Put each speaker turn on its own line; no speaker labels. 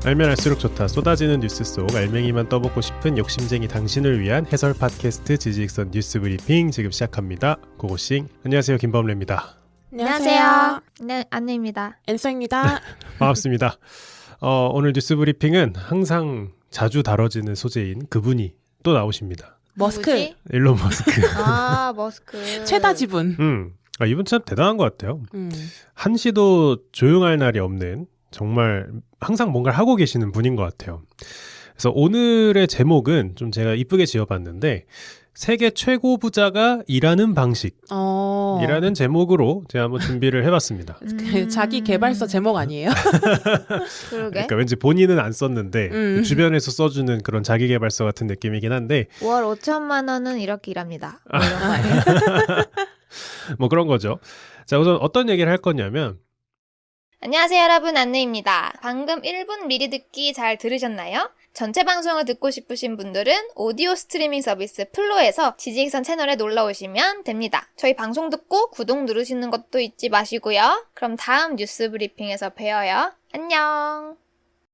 알면 알수록 좋다. 쏟아지는 뉴스 속 알맹이만 떠먹고 싶은 욕심쟁이 당신을 위한 해설 팟캐스트 지지익선 뉴스 브리핑 지금 시작합니다. 고고싱. 안녕하세요. 김범래입니다.
안녕하세요. 네, 안내입니다.
앤서입니다.
반갑습니다. 오늘 뉴스 브리핑은 항상 자주 다뤄지는 소재인 그분이 또 나오십니다.
머스크.
누구지?
일론 머스크.
아, 머스크.
최다 지분.
이분 참 대단한 것 같아요. 한시도 조용할 날이 없는 정말 항상 뭔가를 하고 계시는 분인 것 같아요. 그래서 오늘의 제목은 좀 제가 이쁘게 지어봤는데 세계 최고 부자가 일하는 방식 이라는 제목으로 제가 한번 준비를 해봤습니다.
자기 개발서 제목 아니에요?
그러게.
그러니까 왠지 본인은 안 썼는데 주변에서 써주는 그런 자기계발서 같은 느낌이긴 한데
월 5천만 원은 이렇게 일합니다. 뭐 이런 거 아니에요?
뭐 그런 거죠. 자, 우선 어떤 얘기를 할 거냐면
안녕하세요, 여러분. 안내입니다. 방금 1분 미리 듣기 잘 들으셨나요? 전체 방송을 듣고 싶으신 분들은 오디오 스트리밍 서비스 플로에서 지지익선 채널에 놀러 오시면 됩니다. 저희 방송 듣고 구독 누르시는 것도 잊지 마시고요. 그럼 다음 뉴스 브리핑에서 봬요. 안녕.